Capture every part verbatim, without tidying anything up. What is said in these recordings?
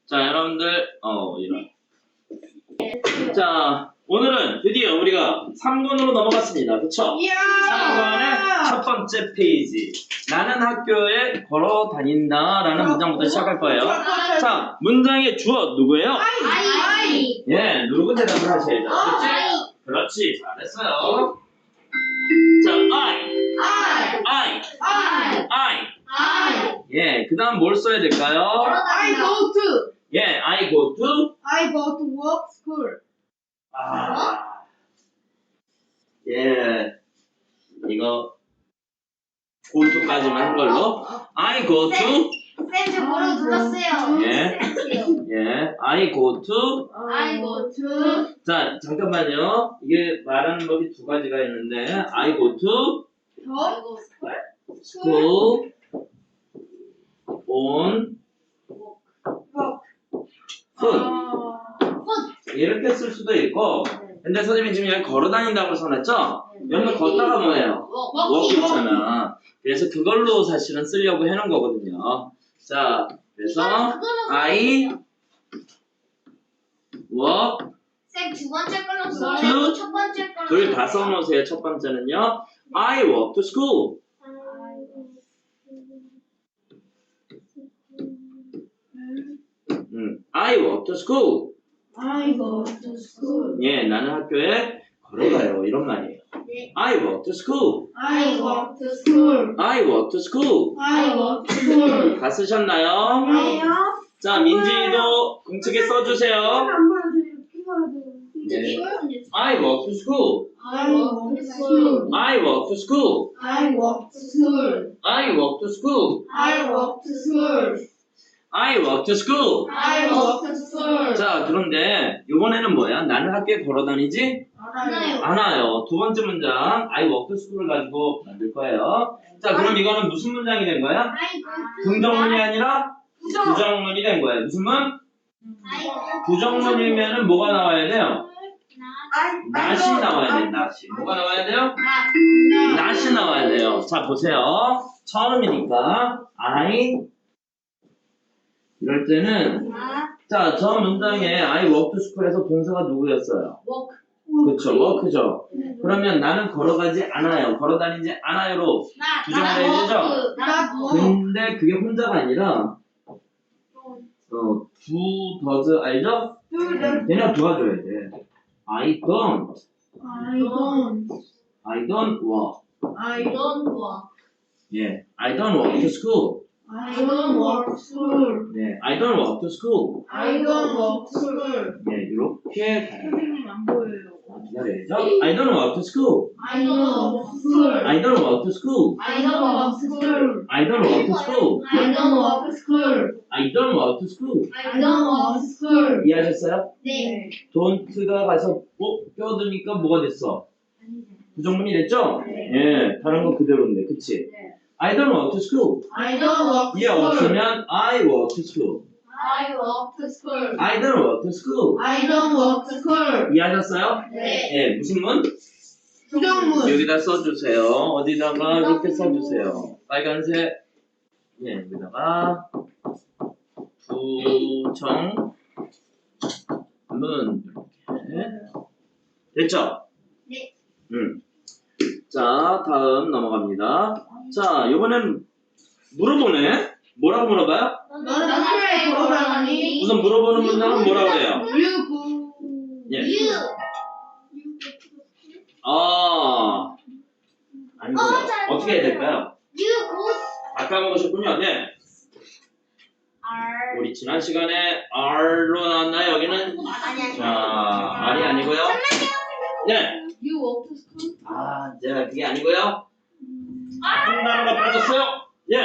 자, 여러분들, 어, 이런. 자, 오늘은 드디어 우리가 삼 권으로 넘어갔습니다. 그쵸? 삼 권의 첫 번째 페이지. 나는 학교에 걸어 다닌다 라는 문장부터 시작할 거예요. 자, 문장의 주어 누구예요? 아이. 예, 누르고 대답을 하셔야죠. 그렇지? 그렇지, 잘했어요. 자, I. I. I. I. I. I. 예, 그 다음 뭘 써야 될까요? I go to. 예, I go to. I go to work school. 아, 예, 이거 go to까지만 한 걸로. I go to. 쌤, 저 뭐라고 눌렀어요. 예, 예, I go to. I go to. 자, 잠깐만요. 이게 말하는 법이 두 가지가 있는데, I go to 더. school on foot. 이렇게 쓸 수도 있고, 근데 선생님이 지금 여기 걸어 다닌다고 써놨죠? 여기는 걷다가 뭐예요? walk 있잖아. 그래서 그걸로 사실은 쓰려고 해놓은 거거든요. 자, 그래서 I walk. 쌤, 두 번째 걸로 two. 써요. 첫 번째 걸로. 둘 다 써놓으세요. 첫 번째는요. I walk to school. 음, I walk to school. I go to school. 예, 나는 학교에 걸어가요. 이런 말이에요. 네. I walk to school. I go to school. I walk to school. I go to school. 다 쓰셨나요? 자, 민지도 공책에 써주세요. 네. I walk to school. I walk to school. I walk to school. I walk to school. I walk to school. I walk to school. I walk to school. I walk to school. 자, 그런데 이번에는 뭐야? 나는 학교에 걸어 다니지 알아요. 않아요. 두 번째 문장 I walk to school을 가지고 만들 거예요. 자, 그럼 이거는 무슨 문장이 된 거야? I go to. 긍정문이 아니라 부정문이 된 거예요. 무슨 문? I go to. 부정문이면은 뭐가 나와야 돼요? 나. 낫이 나와야 돼. 낫이. 뭐가 나와야 돼요? 나. 낫이 나와야 돼요. 자, 보세요. 처음이니까 I 이럴 때는 나. 자, 저 문장에 I walk to school에서 동사가 누구였어요? walk. 그쵸, walk죠. 그러면 나는 걸어가지 않아요. 걸어다니지 않아요로 나. 부정을 해야 되죠? 나. 근데 그게 혼자가 아니라 어, do, does 알죠? 걔네가 도와줘야 돼. I don't, I don't. I don't walk. I don't walk. 예, I don't walk to school. I don't walk to school. 네, I don't walk to school. I don't walk to school. 네, 이렇게 가요. 선생님 안 보여요. 기다려야죠. I don't walk to school. I don't walk to school. I don't walk to school. I don't walk to school. I don't walk to school. I don't walk to school. I don't walk to school. I don't walk to school. 이해하셨어요? 네. don't가 가서 어? 껴드니까 뭐가 됐어? 부정문이 됐죠? 예, 다른 거 그대로인데, 그치? 네. I don't walk to school. I don't walk to 이해 school. 없으면 I walk to school. I walk to school. I don't walk to school. I don't walk to school. 이해하셨어요? 네. 예, 무슨 문? 부정문. 여기다 써주세요. 어디다가 이렇게 써주세요. 빨간색. 예, 여기다가 부정 문 이렇게 됐죠? 네. 음. 자, 다음 넘어갑니다. 자, 이번엔 물어보네. 뭐라고 물어봐요? 너는 학교에 걸어가니? 우선 물어보는 문장은 뭐라고 해요? You go. 예. You. 아, 아니고요. 어, 잘 어떻게 해야 될까요? You go. 아까 먹으셨군요. 네. are. 우리 지난 시간에 R로 나왔나요? 여기는 아니 아니. 자, R이 아니고요. 네. You walk to school. 아, 네, 그게 아니고요. 한 단어가 빠졌어요. 예.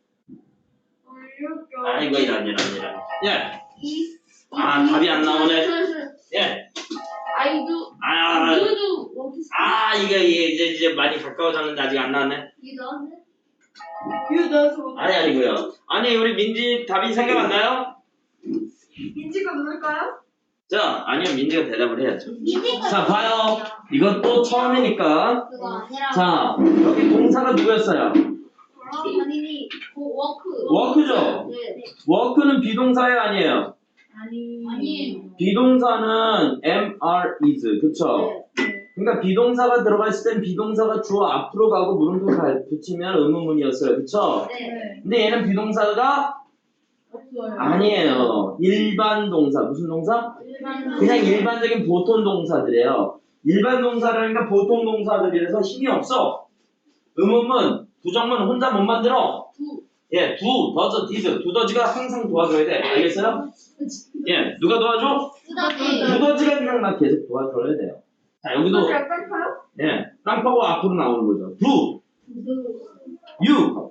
아이고 이런 이런 이런. 예. 아, 답이 안 나오네. 예. I do. 아, You do walk to school. 아, 이게 이게 이제 이제 많이 가까워졌는데 아직 안 나왔네. You don't. You don't. 아니 아니고요. 아니 우리 민지 답이 생각 안 나요? 민지가 누굴까요? 자, 아니요 민지가 대답을 해야죠. 민지가 자, 봐요. 이건 또 처음이니까. 그거 아니라. 자, 여기 동사가 누구였어요? 아니, 워크. 워크죠? 네. 워크는 비동사예요, 아니에요? 아니. 아니에요. 비동사는 am, are, is. 그쵸? 그러니까 비동사가 들어가 있을 땐 비동사가 주어 앞으로 가고 물음표 가- 붙이면 의문문이었어요. 그쵸? 네. 근데 얘는 비동사가 없어요. 아니에요. 일반 동사. 무슨 동사? 일반 그냥 일반적인 보통 동사들이에요. 일반 동사라니까 보통 동사들이라서 힘이 없어. 의문문, 부정문 혼자 못 만들어. 두. 예, 두, 더즈, 디드. 두더지가 항상 도와줘야 돼. 알겠어요? 예, 누가 도와줘? 두더지. 두더지가 그냥 막 계속 도와줘야 돼요. 자, 여기도, 깜빡하요? 예, 땅파고 앞으로 나오는 거죠. 두, 유,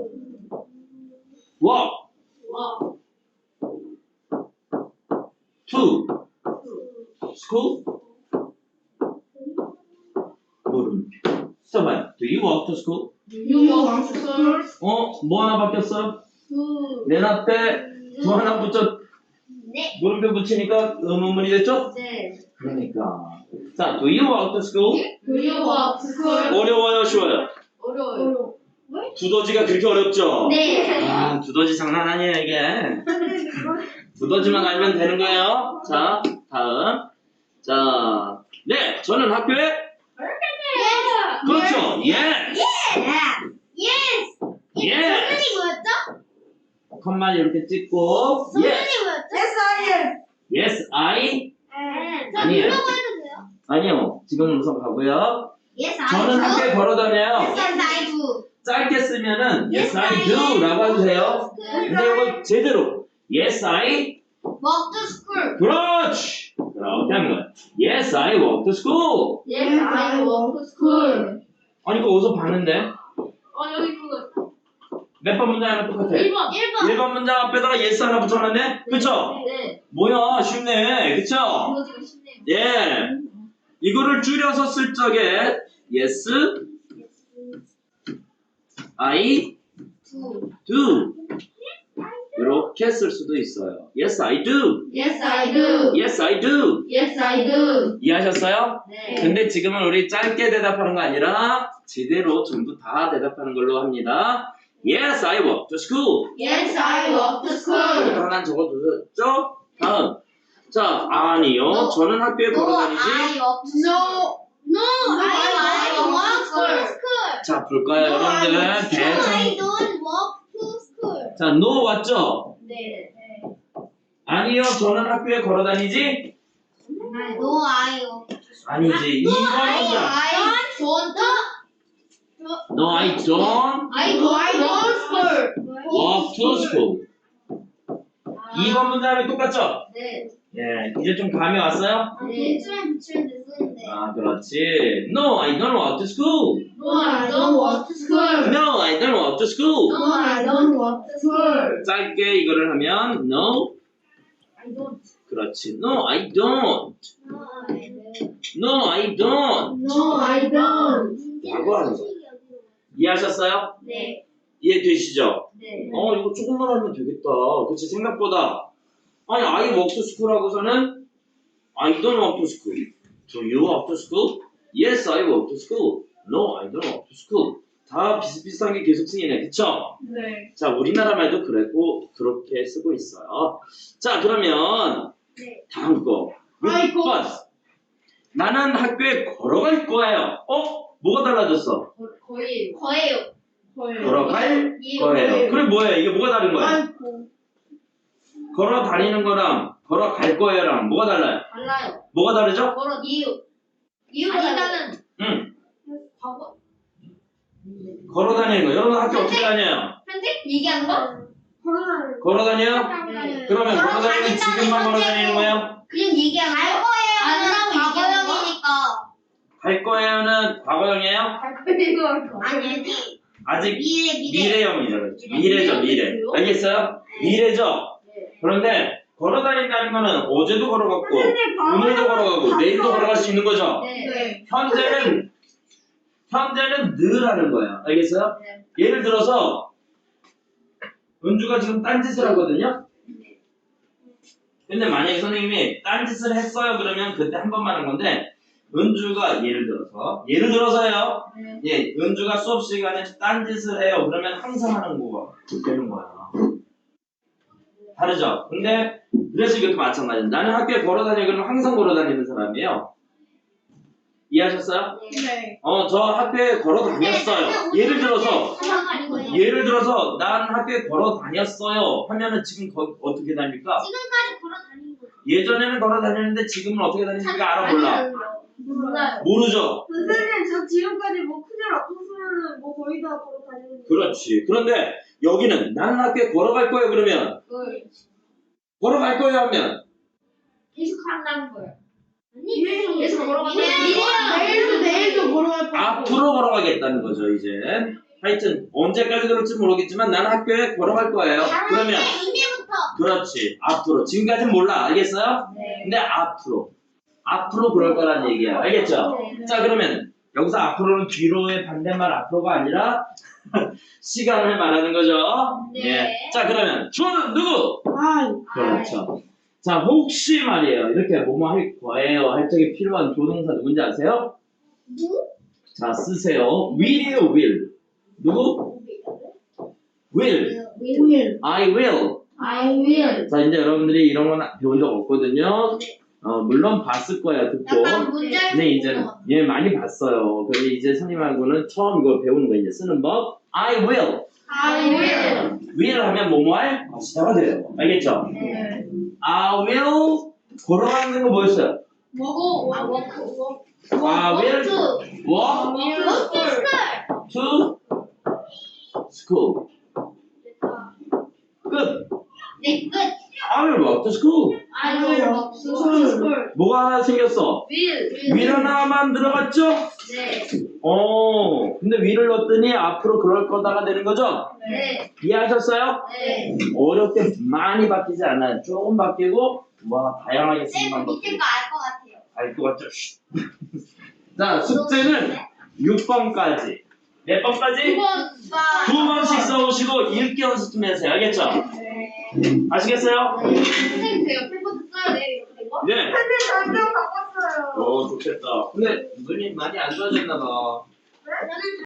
워, 와. 투, 스쿨, 물음표. 써봐요. Do you walk to school? You want to school? 어? 뭐 하나 바뀌었어? 두. 맨 앞에 두 하나 붙여 네. 물음표 붙이니까 의문문이 됐죠? 네. 그러니까 자, do you walk to school? Do you want to school? 어려워요, 쉬워요? 어려워요. 두더지가 그렇게 어렵죠? 네. 아, 두더지 장난 아니에요, 이게. 두더지만 알면 되는 거예요. 자, 다음. 자, 네, 저는 학교에 그렇죠. 예. 예스. 예. 선생님 뭐였죠? 컴마 이렇게 찍고 예. 선생님 뭐였죠? Yes, I am. Yes, I. 저 아니에요. 물어봐도 돼요? 아니요. 지금은 우선 가고요. Yes, I 저는 do. 학교에 걸어 다녀요. Yes, I do. 짧게 쓰면은 Yes, I do 라고 해도 돼요. 근데 이거 제대로 Yes, I. Walk to school. 그렇지. 그렇게 하는 거야. Yes, I walk to school. Yes, I walk to school. 아니 이거 어디서 봤는데? 어, 여기 그거. 몇 번 문장이랑 똑같아. 일 번. 일 번. 일 번 문장 앞에다가 yes 하나 붙여놨네? 그쵸? 네. 뭐야 쉽네. 그쵸? 이거 지금 쉽네요. 예. 이거를 줄여서 쓸 적에 yes, I 두. do 이렇게 쓸 수도 있어요. Yes, I do. Yes, I do. Yes, I do. Yes, I do. 이해하셨어요? 네. 근데 지금은 우리 짧게 대답하는 거 아니라 제대로 전부 다 대답하는 걸로 합니다. Yes, I walk to school. Yes, I walk to 이거 school. 하나 적어두셨죠? 다음. 자, 아니요. No. 저는 학교에 No, 걸어 다니지. I walk to No. No, I, I walk to school. school. 자, 볼까요, No, I 여러분들? walk to No, I 대충. don't walk to school. 자, no 왔죠? 네. 아니요. 저는 학교에 걸어 다니지. No, I walk. 아니지. No, 이번 I, 문장. I don't. No, I don't I No, I don't school. walk to school. 이번 문장이 똑같죠? 네. 예, 이제 좀 감이 왔어요? 네. 붙이면 붙이면 됐었는데. 아, 그렇지. No, I don't walk to school. No, I don't walk to school. No, I don't walk to school. No, I don't walk to school. 짧게 이거를 하면 no, I don't. 그렇지. No, I don't. No, I don't. No, I don't. No, I don't. 라고 하는 거. 이해하셨어요? 네. 이해되시죠? 네. 어, 이거 조금만 하면 되겠다. 그치, 생각보다. 아니, I walk to school 하고서는 I don't walk to school. Do you walk to school? Yes, I walk to school. No, I don't walk to school. 다 비슷비슷한 게 계속 쓰이네. 그쵸? 네. 자, 우리나라 말도 그랬고, 그렇게 쓰고 있어요. 자, 그러면 네. 다음 거. 아이고. 육 번. 나는 학교에 걸어갈 거예요. 어? 뭐가 달라졌어? 거의 거예요. 거예요. 걸어갈 예, 거예요. 그럼 뭐예요? 이게 뭐가 다른 거예요? 아이고. 걸어 다니는 거랑 걸어갈 거예요랑 뭐가 달라요? 달라요. 뭐가 다르죠? 걸어 이유. 이유가 아니다는 응. 과거. 걸어 다니는 거. 여러분 학교 어떻게 다녀요? 현재 얘기하는 거? 걸어. 걸어 다녀요? 네. 그러면 걸어 다니는 다닌다는 지금만 걸어 현재고 다니는 거예요? 그냥 얘기하는 거. 갈 거예요. 아니라고 과거형이니까. 갈 거예요는 과거형이에요? 아니 아직 미래 미래. 미래형이죠. 그렇죠. 미래죠, 미래. 알겠어요? 미래죠? 네. 그런데 걸어 다닌다는 거는 어제도 걸어갔고 오늘도 걸어가고 내일도 걸어갈 수 있는 거죠. 네. 네. 현재는 현재는 늘 하는 거예요. 알겠어요? 네. 예를 들어서 은주가 지금 딴짓을 하거든요. 근데 만약에 선생님이 딴짓을 했어요 그러면 그때 한 번만 하는 건데 은주가 예를 들어서 예를 들어서요. 네. 예, 은주가 수업 시간에 딴짓을 해요. 그러면 항상 하는 거가 되는 거야. 다르죠? 근데 그래서 이것도 마찬가지예요. 나는 학교에 걸어 다녀 그러면 항상 걸어 다니는 사람이에요. 이해하셨어요? 네. 어, 저 학교에 걸어 다녔어요. 예를 들어서 예를 들어서 난 학교에 걸어 다녔어요 하면은 지금 거, 어떻게 다닙니까? 지금까지 걸어 다니는 거. 예전에는 걸어 다녔는데 지금은 어떻게 다니는지가 알아 몰라? 몰라요. 모르죠? 선생님, 저 지금까지 뭐 큰일 없었으면 뭐 거의 다 걸어 다니는 그렇지. 그런데 여기는 나는 학교에 걸어갈 거예요 그러면 걸어갈 거예요 하면 계속 한다는 거예요. 계속 계속 걸어가는 내일도 내일도 걸어갈 거고. 앞으로 걸어가겠다는 거죠 이제. 하여튼 언제까지 그럴지 모르겠지만 나는 학교에 걸어갈 거예요. 그러면 이제부터. 그렇지. 앞으로. 지금까지는 몰라. 알겠어요? 네. 근데 앞으로. 앞으로 그럴 거란 얘기야. 알겠죠? 네. 자 그러면 여기서 앞으로는 뒤로의 반대말 앞으로가 아니라 시간을 말하는 거죠. 네. 예. 자 그러면 주어는 누구? 아, 그렇죠. 자 혹시 말이에요. 이렇게 뭐뭐 할 거예요. 할 적에 필요한 조동사 누군지 아세요? 누? 자 쓰세요. will이에요 will. 누구? will. will. I will. I will. 자 이제 여러분들이 이런 건 배운 적 없거든요. 어, 물론 봤을 거야 듣고. 약간 문제. 근데 이제 예 많이 봤어요. 근데 이제 선생님하고는 처음 이걸 배우는 거 이제 쓰는 법. I will. I will. will 하면 뭐뭐 할 것이다가 돼요. 알겠죠? 네. I will 걸어가는 거 뭐였어요? 뭐고? 아 워크 워크. I will 워크. walk 워크 스쿨. to school. 끝. 네 끝. I will walk to school. I will walk to school. 뭐가 하나 생겼어? will. will 하나만 들어갔죠? 네. 어, 근데 will을 넣었더니 앞으로 그럴 거다가 되는 거죠? 네. 이해하셨어요? 네. 어렵게 많이 바뀌지 않아요. 조금 바뀌고 와 다양하게 쓰는 쌤 방법 밑에 거 알 것 같아요. 알 것 같죠? 자 숙제는 육 번까지 몇 번까지? 번. 두 번씩 써오시고 읽기 연습 좀 해주세요. 알겠죠? 네. 아시겠어요? 선생님 저 옆에 것도 써야 돼요. 이렇게 된 거? 네. 근데 전경 바꿨어요. 어 좋겠다. 근데 눈이 많이 안 좋아졌나 봐. 저는